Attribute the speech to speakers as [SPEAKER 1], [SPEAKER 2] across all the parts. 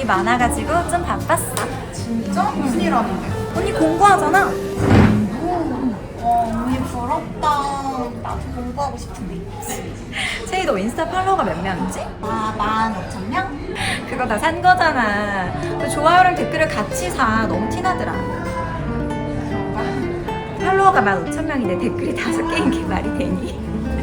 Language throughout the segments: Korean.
[SPEAKER 1] 일이 많아가지고 좀 바빴어.
[SPEAKER 2] 진짜? 무슨 일 하는데?
[SPEAKER 1] 언니 공부하잖아.
[SPEAKER 2] 언니 부럽다. 나도 공부하고 싶은데.
[SPEAKER 1] 채희 너 인스타 팔로워가 몇 명이지?
[SPEAKER 2] 15,000명?
[SPEAKER 1] 그거 다 산 거잖아. 너 좋아요랑 댓글을 같이 사. 너무 티나더라. 팔로워가 15,000명인데 댓글이 5개인 게 말이 되니?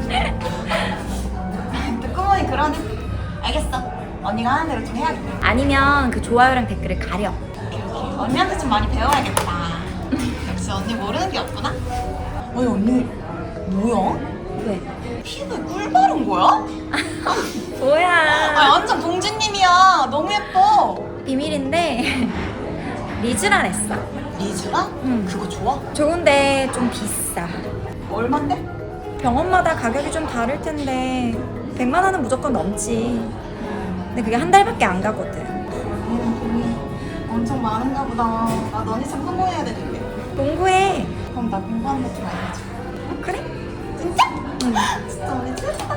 [SPEAKER 2] 듣고 보니 그러네. 알겠어. 언니가 하는 대로 좀 해야겠다.
[SPEAKER 1] 아니면 그 좋아요랑 댓글을 가려.
[SPEAKER 2] 언니한테 좀 많이 배워야겠다. 역시 언니 모르는 게 없구나. 아니 언니 뭐야?
[SPEAKER 1] 왜?
[SPEAKER 2] 피부에 꿀 바른 거야?
[SPEAKER 1] 뭐야?
[SPEAKER 2] 아니 완전 공주님이야. 너무 예뻐.
[SPEAKER 1] 비밀인데 리쥬란 했어.
[SPEAKER 2] 리쥬라?
[SPEAKER 1] 응.
[SPEAKER 2] 그거 좋아?
[SPEAKER 1] 좋은데 좀 비싸.
[SPEAKER 2] 얼만데?
[SPEAKER 1] 병원마다 가격이 좀 다를 텐데 100만 원은 무조건 넘지. 근데 그게 한 달밖에 안 가거든.
[SPEAKER 2] 돈이 엄청 많은가 보다. 나 너네 참 성공해야 되는데.
[SPEAKER 1] 공부해.
[SPEAKER 2] 그럼 나 공부하는 거 좀 알려줘.
[SPEAKER 1] 그래?
[SPEAKER 2] 진짜?
[SPEAKER 1] 응.
[SPEAKER 2] 진짜 언니 최고다.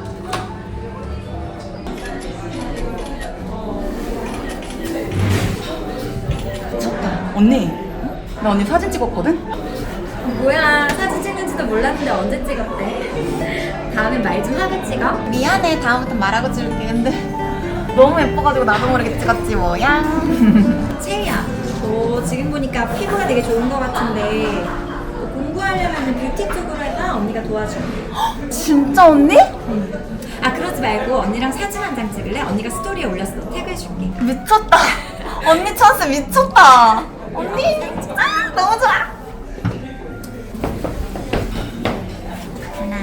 [SPEAKER 2] 미쳤다. 언니, 나 언니 사진 찍었거든?
[SPEAKER 1] 뭐야, 사진 찍는지도 몰랐는데 언제 찍었대? 다음엔 말 좀 하게 찍어.
[SPEAKER 2] 미안해. 다음부터 말하고 찍을게. 근데 너무 예뻐가지고 나도 모르게 찍었지 뭐야.
[SPEAKER 1] 채희야, 너 지금 보니까 피부가 되게 좋은 것 같은데 너 공부하려면 뷰티 쪽으로 해봐. 언니가 도와줄게.
[SPEAKER 2] 진짜 언니?
[SPEAKER 1] 아, 그러지 말고 언니랑 사진 한 장 찍을래? 언니가 스토리에 올렸어. 태그해줄게.
[SPEAKER 2] 미쳤다. 언니 찬스 미쳤다. 언니 너무 좋아.
[SPEAKER 1] 하나,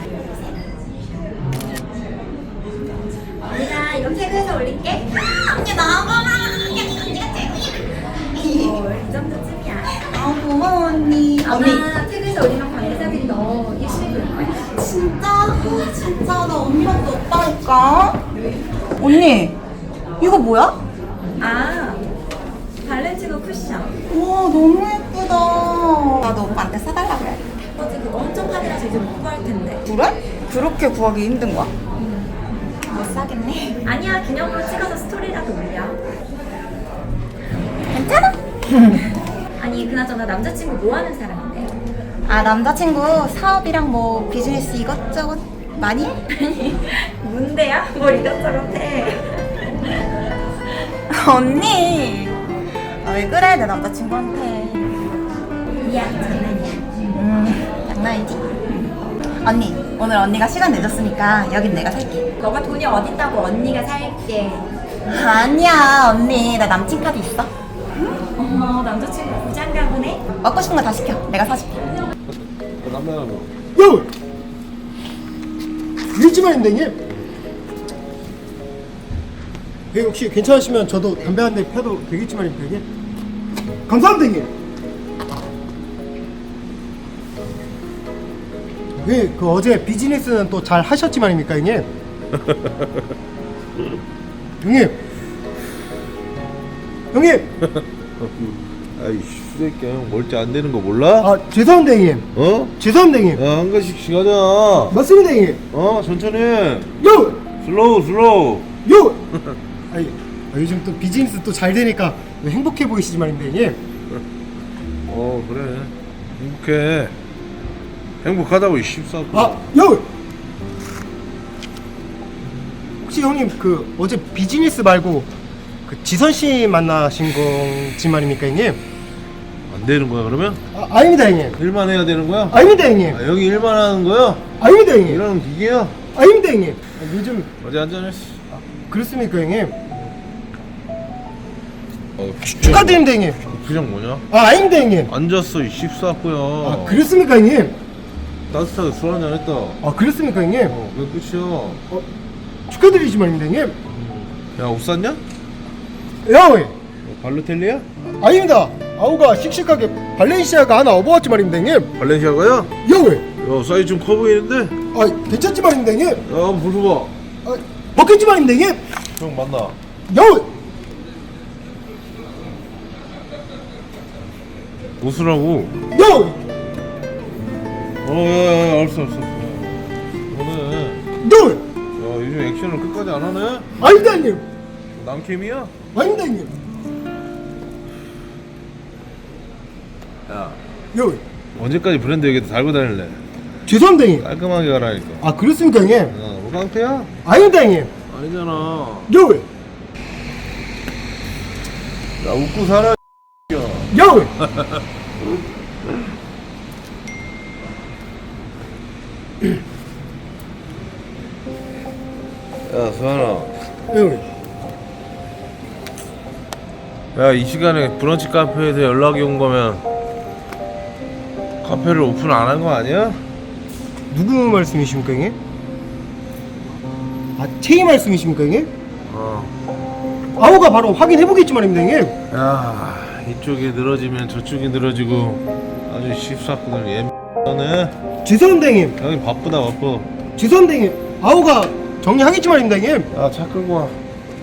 [SPEAKER 1] 언니가 이거 태그해서 올릴게.
[SPEAKER 2] 언니 너무 고마워. 언니가 최고야.
[SPEAKER 1] 이 정도쯤이야.
[SPEAKER 2] 아 고마워 언니.
[SPEAKER 1] 아마
[SPEAKER 2] 언니
[SPEAKER 1] 태그에서 올리면 관계자들이 너 일시에 볼 거야.
[SPEAKER 2] 진짜? 아, 진짜 나 언니밖에 없다니까. 언니 이거 뭐야?
[SPEAKER 1] 아, 발렌티노 쿠션.
[SPEAKER 2] 와 너무 예쁘다. 나도 오빠한테 사달라고 해야겠다.
[SPEAKER 1] 어제 그거 엄청 판이라서 이제 못 구할 텐데.
[SPEAKER 2] 그래? 그렇게 구하기 힘든 거야? 못 사겠네.
[SPEAKER 1] 아니야, 기념으로 찍어서 스토리라도 올려.
[SPEAKER 2] 괜찮아?
[SPEAKER 1] 아니, 그나저나 남자친구 뭐 하는 사람인데?
[SPEAKER 2] 아 남자친구 사업이랑 뭐 비즈니스 이것저것 많이 해?
[SPEAKER 1] 아니, 문대야? 뭘 이것저것 해.
[SPEAKER 2] 언니 왜 그래 내 남자친구한테.
[SPEAKER 1] 미안, 장난이야.
[SPEAKER 2] 장난이지? 언니 오늘 언니가 시간 내줬으니까 여긴 내가 살게.
[SPEAKER 1] 너가 돈이 어딨다고 언니가 살게.
[SPEAKER 2] 아니야 언니 나 남친 카드 있어.
[SPEAKER 1] 어머, 남자친구 부장가 보네?
[SPEAKER 2] 먹고 싶은 거 다 시켜. 내가 사줄게.
[SPEAKER 3] 남자라고.
[SPEAKER 4] 요! 일지만인데 형님. 예, 혹시 괜찮으시면 저도 담배 한 대 펴도 되겠지만입니다 형님. 감사합니다 형님. 예, 그 어제 비즈니스는 또 잘 하셨지만입니까 형님. 형님. 형님.
[SPEAKER 3] 아이 슈새끼야 형 멀티 안 되는 거 몰라?
[SPEAKER 4] 아 죄송합니다 형님.
[SPEAKER 3] 어?
[SPEAKER 4] 죄송합니다 형님.
[SPEAKER 3] 야 한 가지씩 가자.
[SPEAKER 4] 맞습니다 형님.
[SPEAKER 3] 천천히.
[SPEAKER 4] 요!
[SPEAKER 3] 슬로우.
[SPEAKER 4] 요! 아니, 요즘 또 비즈니스 또 잘 되니까 행복해 보이시지만인데 형님.
[SPEAKER 3] 그래. 행복해. 행복하다고 이 씹싸고.
[SPEAKER 4] 아, 요! 혹시 형님 그 어제 비즈니스 말고 그 지선 씨 만나신 건지 말입니까 형님?
[SPEAKER 3] 안 되는 거야 그러면?
[SPEAKER 4] 아, 아닙니다 형님.
[SPEAKER 3] 일만 해야 되는 거야?
[SPEAKER 4] 아닙니다 형님.
[SPEAKER 3] 아, 여기 일만 하는 거야?
[SPEAKER 4] 아닙니다 형님.
[SPEAKER 3] 이러는 기계야?
[SPEAKER 4] 아닙니다 형님. 요즘
[SPEAKER 3] 어디 한잔했어?
[SPEAKER 4] 그렇습니까 형님?
[SPEAKER 3] 진짜.
[SPEAKER 4] 축하드립니다 형님.
[SPEAKER 3] 부장 뭐냐?
[SPEAKER 4] 아, 아닙니다 형님.
[SPEAKER 3] 앉았어 이 씹싸고야.
[SPEAKER 4] 아, 그렇습니까 형님?
[SPEAKER 3] 따뜻하게 술 한잔 했다.
[SPEAKER 4] 아, 그렇습니까 형님?
[SPEAKER 3] 그게 끝이야.
[SPEAKER 4] 축하드리지만입니다 형님.
[SPEAKER 3] 야 옷 샀냐?
[SPEAKER 4] 야, 왜?
[SPEAKER 3] 발로텔리야?
[SPEAKER 4] 아닙니다. 아우가 씩씩하게 발렌시아가 하나 업어왔지 말입니다 형님.
[SPEAKER 3] 발렌시아가야?
[SPEAKER 4] 야, 왜?
[SPEAKER 3] 야 사이즈 좀 커 보이는데?
[SPEAKER 4] 아, 괜찮지 말입니다 형님.
[SPEAKER 3] 야 한번 벗어봐.
[SPEAKER 4] 아, 먹겠지 말입니다 형님.
[SPEAKER 3] 형 만나.
[SPEAKER 4] 야, 왜?
[SPEAKER 3] 웃으라고.
[SPEAKER 4] 야, 왜?
[SPEAKER 3] 야야야 알았어. 너네
[SPEAKER 4] 야, 왜?
[SPEAKER 3] 야 요즘 액션을 끝까지 안 하네?
[SPEAKER 4] 아닙니다 형님.
[SPEAKER 3] 남캠이야?
[SPEAKER 4] 아닙니다 형님.
[SPEAKER 3] 야,
[SPEAKER 4] 요
[SPEAKER 3] 언제까지 브랜드 얘기 달고 다닐래?
[SPEAKER 4] 죄송합니다 형님.
[SPEAKER 3] 깔끔하게 가라니까.
[SPEAKER 4] 아 그렇습니까 형님?
[SPEAKER 3] 우강태야?
[SPEAKER 4] 아닙니다 형님.
[SPEAKER 3] 아니잖아.
[SPEAKER 4] 요
[SPEAKER 3] 야, 웃고 살아. 야.
[SPEAKER 4] 요
[SPEAKER 3] 야, 수환아.
[SPEAKER 4] 요
[SPEAKER 3] 야, 이 시간에 브런치 카페에서 연락이 온 거면 카페를 오픈 안 한 거 아니야?
[SPEAKER 4] 누구 말씀이십니까 형님? 아 체이 말씀이십니까 형님? 아우가 바로 확인해 보겠지만입니다 형님.
[SPEAKER 3] 야, 이쪽이 늘어지면 저쪽이 늘어지고 아주 십사꾼을 예네.
[SPEAKER 4] 죄송합니다 형님.
[SPEAKER 3] 형이 바쁘다 바빠.
[SPEAKER 4] 죄송합니다 형님. 아우가 정리하겠지만입니다 형님.
[SPEAKER 3] 야, 차 끌고 와.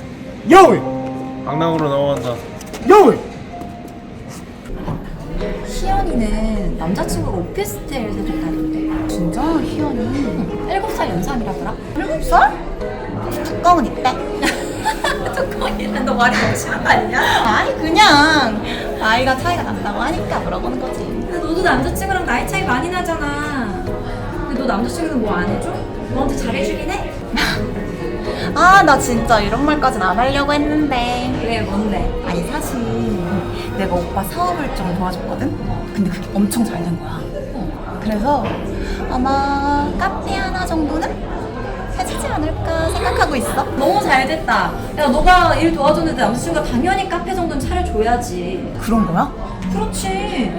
[SPEAKER 4] 요
[SPEAKER 3] 강남으로 넘어간다.
[SPEAKER 4] 요
[SPEAKER 1] 희연이는 남자친구가 오피스텔 사줬다는데.
[SPEAKER 2] 진짜 희연이
[SPEAKER 1] 7살 연상이라더라.
[SPEAKER 2] 7살? 두꺼운 이때?
[SPEAKER 1] 조금이면 너 말이 너무 심한 거 아니냐?
[SPEAKER 2] 아니 그냥 나이가 차이가 난다고 하니까 물어보는 거지.
[SPEAKER 1] 근데 너도 남자친구랑 나이 차이 많이 나잖아. 근데 너 남자친구는 뭐 안 해줘? 너한테 잘해주긴 해?
[SPEAKER 2] 아 나 진짜 이런 말까진 안 하려고 했는데.
[SPEAKER 1] 왜 뭔데?
[SPEAKER 2] 아니 사실 내가 오빠 사업을 좀 도와줬거든? 근데 그게 엄청 잘 된 거야. 그래서 아마 카페 하나 정도는 해주지 않을까 생각하고 있어.
[SPEAKER 1] 너무 잘 됐다. 야 너가 일 도와줬는데 남자친구가 당연히 카페 정도는 차려줘야지.
[SPEAKER 2] 그런 거야?
[SPEAKER 1] 그렇지.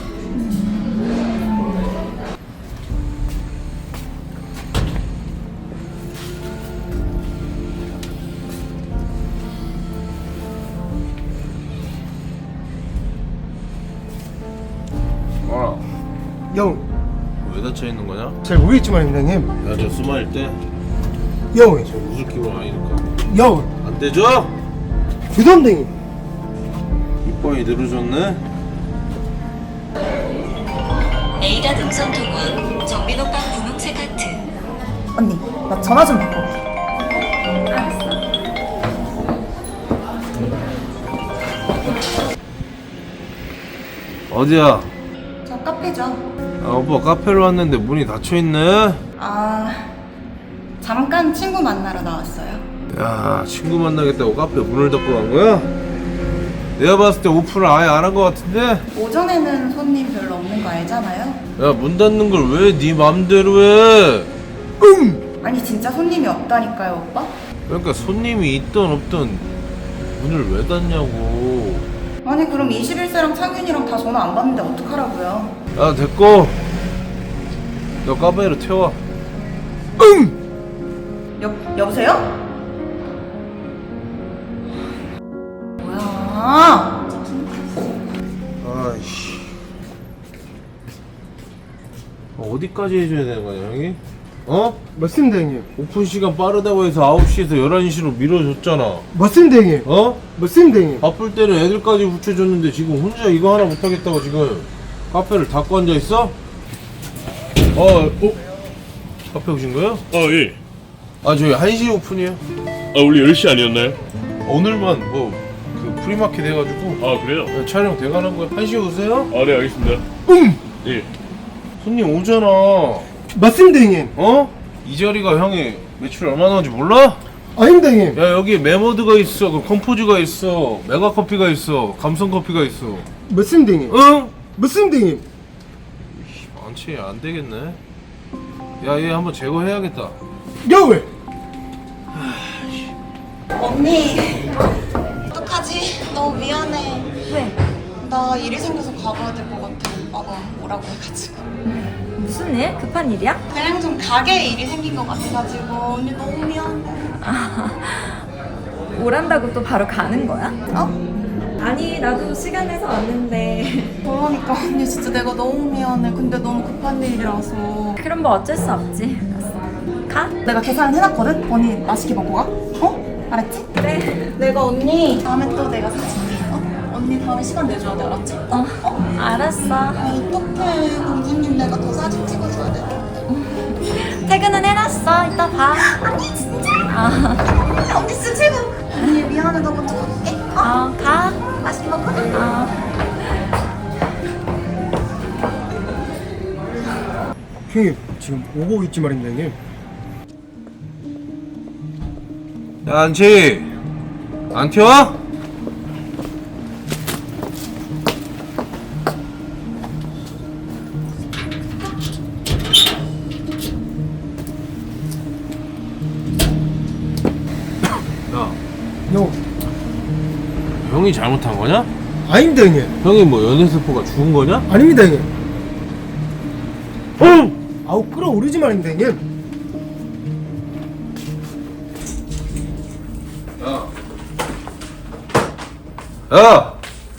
[SPEAKER 4] 요
[SPEAKER 3] 왜 닫혀 있는 거냐?
[SPEAKER 4] 잘 모르겠지만입니다 형님.
[SPEAKER 3] 야, 저 스마일 때
[SPEAKER 4] 요
[SPEAKER 3] 저 웃을 기분 아니니까
[SPEAKER 4] 요
[SPEAKER 3] 안 떼줘?
[SPEAKER 4] 죄송합니다 형님.
[SPEAKER 3] 이빨이 늘어졌네.
[SPEAKER 5] 에이다 등선 통원 정민오빠 분홍색 하트.
[SPEAKER 2] 언니 나 전화 좀 받고.
[SPEAKER 3] 어디야?
[SPEAKER 2] 저 카페죠.
[SPEAKER 3] 아, 오빠 카페로 왔는데 문이 닫혀 있네.
[SPEAKER 2] 아 잠깐 친구 만나러 나왔어요.
[SPEAKER 3] 야, 친구 만나겠다고 카페 문을 닫고 간 거야? 내가 봤을 때 오픈을 아예 안 한 거 같은데?
[SPEAKER 2] 오전에는 손님 별로 없는 거 알잖아요.
[SPEAKER 3] 야, 문 닫는 걸 왜 네 맘대로 해?
[SPEAKER 2] 아니 진짜 손님이 없다니까요 오빠.
[SPEAKER 3] 그러니까 손님이 있든 없든 문을 왜 닫냐고.
[SPEAKER 2] 아니 그럼 21세랑 창윤이랑 다 전화 안 받는데 어떡하라고요.
[SPEAKER 3] 야, 됐고 너 카페로 태워.
[SPEAKER 2] 여보세요? 뭐야?
[SPEAKER 3] 아이씨, 어디까지 해줘야 되는 거냐 형이? 어?
[SPEAKER 4] 맞습니다 형님.
[SPEAKER 3] 오픈 시간 빠르다고 해서 9시에서 11시로 밀어줬잖아.
[SPEAKER 4] 맞습니다 형님.
[SPEAKER 3] 어?
[SPEAKER 4] 맞습니다 형님.
[SPEAKER 3] 바쁠 때는 애들까지 붙여줬는데 지금 혼자 이거 하나 못하겠다고 지금 카페를 닫고 앉아있어? 카페 오신 거예요?
[SPEAKER 6] 예.
[SPEAKER 3] 아, 저희 1시 오픈이에요.
[SPEAKER 6] 아, 원래 10시 아니었나요?
[SPEAKER 3] 오늘만 그 프리마켓 해가지고
[SPEAKER 6] 아, 그래요?
[SPEAKER 3] 촬영 돼가는 거예요. 1시에 오세요?
[SPEAKER 6] 아, 네, 알겠습니다. 예.
[SPEAKER 3] 손님 오잖아.
[SPEAKER 4] 맞습니다 형님.
[SPEAKER 3] 어? 이 자리가 형이 매출 얼마 나오는지 몰라?
[SPEAKER 4] 아닙니다 형님.
[SPEAKER 3] 야, 여기 메모드가 있어, 그 컴포즈가 있어, 메가커피가 있어, 감성커피가 있어.
[SPEAKER 4] 맞습니다 형님.
[SPEAKER 3] 응?
[SPEAKER 4] 맞습니다 형님.
[SPEAKER 3] 많지, 안 되겠네. 야, 얘 한번 제거해야겠다.
[SPEAKER 4] 요
[SPEAKER 2] 언니 어떡하지? 너무 미안해.
[SPEAKER 1] 왜?
[SPEAKER 2] 나 일이 생겨서 가봐야 될 것 같아. 오빠가 뭐라고 해가지고.
[SPEAKER 1] 무슨 일? 급한 일이야?
[SPEAKER 2] 그냥 좀 가게에 일이 생긴 것 같아가지고 언니 너무 미안해.
[SPEAKER 1] 오란다고 또 바로 가는 거야?
[SPEAKER 2] 어?
[SPEAKER 1] 아니 나도 시간 내서 왔는데.
[SPEAKER 2] 그러니까 언니 진짜 내가 너무 미안해. 근데 너무 급한 일이라서.
[SPEAKER 1] 그럼 뭐 어쩔 수 없지. 가?
[SPEAKER 2] 내가 계산은 해놨거든? 언니 맛있게 먹고 가. 어? 알았지?
[SPEAKER 1] 그래.
[SPEAKER 2] 내가 언니 다음에 또 내가 사줄게. 어? 언니 다음에 시간 내줘야 돼. 알았지?
[SPEAKER 1] 알았어.
[SPEAKER 2] 어떡해. 공주님 내가 더 사진 찍어줘야 돼.
[SPEAKER 1] 퇴근은 해놨어. 이따 봐.
[SPEAKER 2] 아니 진짜?
[SPEAKER 1] 아.
[SPEAKER 2] 언니 진짜 최고. 언니 미안해. 나 먼저 갈게.
[SPEAKER 4] 형님 지금 오고 있지 말입니다 형님.
[SPEAKER 3] 야, 안치! 안 튀어? 야,
[SPEAKER 4] 형
[SPEAKER 3] 형이 잘못한 거냐?
[SPEAKER 4] 아닙니다 형님.
[SPEAKER 3] 형이 뭐 연애세포가 죽은 거냐?
[SPEAKER 4] 아닙니다 형님. 아우 끌어오르지 말입니다 형님.
[SPEAKER 3] 야!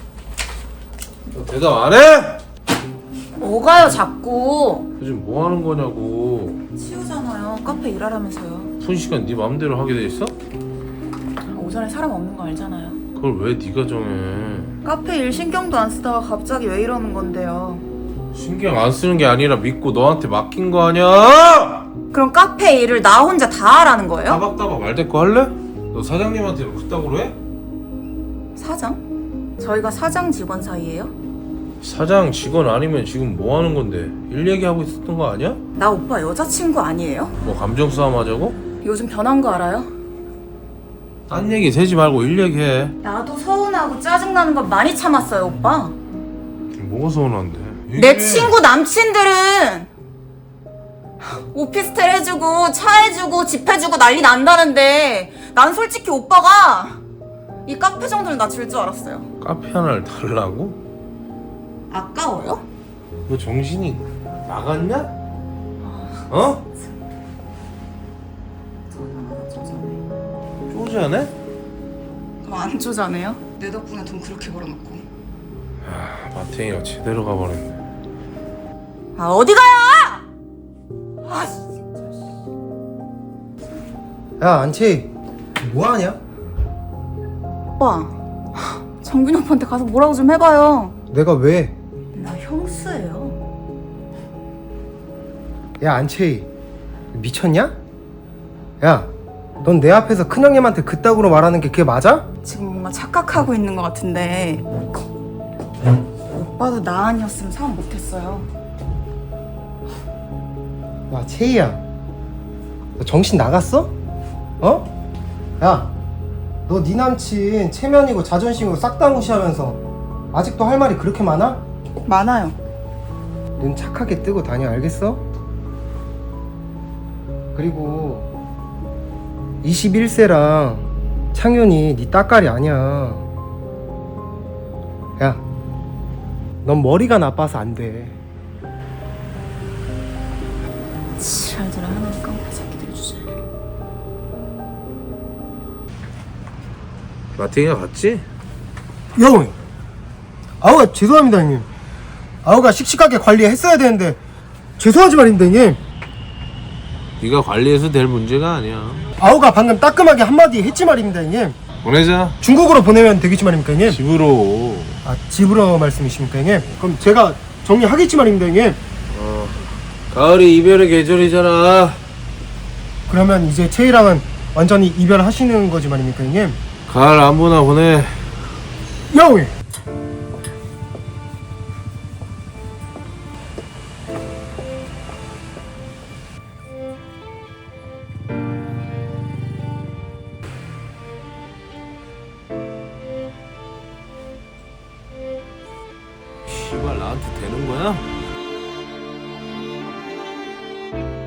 [SPEAKER 3] 너 대답 안 해?
[SPEAKER 2] 뭐가요 자꾸?
[SPEAKER 3] 요즘 뭐 하는 거냐고.
[SPEAKER 2] 치우잖아요. 카페 일하라면서요.
[SPEAKER 3] 푼 시간 네 맘대로 하게 돼 있어?
[SPEAKER 2] 오전에 사람 없는 거 알잖아요.
[SPEAKER 3] 그걸 왜 네가 정해?
[SPEAKER 2] 카페 일 신경도 안 쓰다가 갑자기 왜 이러는 건데요?
[SPEAKER 3] 신경 안 쓰는 게 아니라 믿고 너한테 맡긴 거 아니야?
[SPEAKER 2] 그럼 카페 일을 나 혼자 다 하라는 거예요?
[SPEAKER 3] 따박따박 말대꾸 할래? 너 사장님한테 그따구로 해?
[SPEAKER 2] 사장? 저희가 사장 직원 사이예요?
[SPEAKER 3] 사장 직원 아니면 지금 뭐 하는 건데? 일 얘기하고 있었던 거 아니야?
[SPEAKER 2] 나 오빠 여자친구 아니에요?
[SPEAKER 3] 뭐 감정 싸움 하자고?
[SPEAKER 2] 요즘 변한 거 알아요?
[SPEAKER 3] 딴 얘기 세지 말고 일 얘기해.
[SPEAKER 2] 나도 서운하고 짜증나는 거 많이 참았어요 오빠.
[SPEAKER 3] 뭐가 서운한데?
[SPEAKER 2] 내 친구 남친들은 오피스텔 해주고 차 해주고 집 해주고 난리 난다는데 난 솔직히 오빠가 이 카페 정도는 나 줄 줄 알았어요.
[SPEAKER 3] 카페 하나를 달라고?
[SPEAKER 2] 아까워요?
[SPEAKER 3] 너 정신이 나갔냐? 어? 쪼잔해?
[SPEAKER 2] 그럼 안 쪼자네요? 내 덕분에 돈 그렇게 벌어놓고.
[SPEAKER 3] 아, 마탱이가 제대로 가버렸네.
[SPEAKER 2] 아 어디 가요? 아
[SPEAKER 4] 야 안치 뭐하냐?
[SPEAKER 2] 오빠 정균이 오빠한테 가서 뭐라고 좀 해봐요.
[SPEAKER 4] 내가 왜?
[SPEAKER 2] 나 형수예요.
[SPEAKER 4] 야 안치 미쳤냐? 야 넌 내 앞에서 큰형님한테 그따구로 말하는 게 그게 맞아?
[SPEAKER 2] 지금 뭔가 착각하고 있는 것 같은데 오빠도 나 아니었으면 사업 못했어요.
[SPEAKER 4] 야 채희야 너 정신 나갔어? 어? 야 너 네 남친 체면이고 자존심이고 싹 다 무시하면서 아직도 할 말이 그렇게 많아?
[SPEAKER 2] 많아요.
[SPEAKER 4] 눈 착하게 뜨고 다녀 알겠어? 그리고 21세랑 창윤이 네 따까리 아니야. 야 넌 머리가 나빠서 안돼.
[SPEAKER 2] 지랄들을 하는 깡패 새끼들 주제.
[SPEAKER 3] 마탱이가 갔지?
[SPEAKER 4] 야 형님 아우가 죄송합니다 형님. 아우가 씩씩하게 관리했어야 되는데 죄송하지 말입니다 형님.
[SPEAKER 3] 네가 관리해서 될 문제가 아니야.
[SPEAKER 4] 아우가 방금 따끔하게 한마디 했지 말입니다 형님.
[SPEAKER 3] 보내자.
[SPEAKER 4] 중국어로 보내면 되겠지 말입니까 형님.
[SPEAKER 3] 집으로.
[SPEAKER 4] 아 집으로 말씀이십니까 형님? 그럼 제가 정리하겠지 말입니다 형님.
[SPEAKER 3] 가을이 이별의 계절이잖아.
[SPEAKER 4] 그러면 이제 채희랑은 완전히 이별하시는 거지 말입니까 형님?
[SPEAKER 3] 가을 안보나 보내.
[SPEAKER 4] 야 형님
[SPEAKER 3] 씨발 나한테 되는 거야?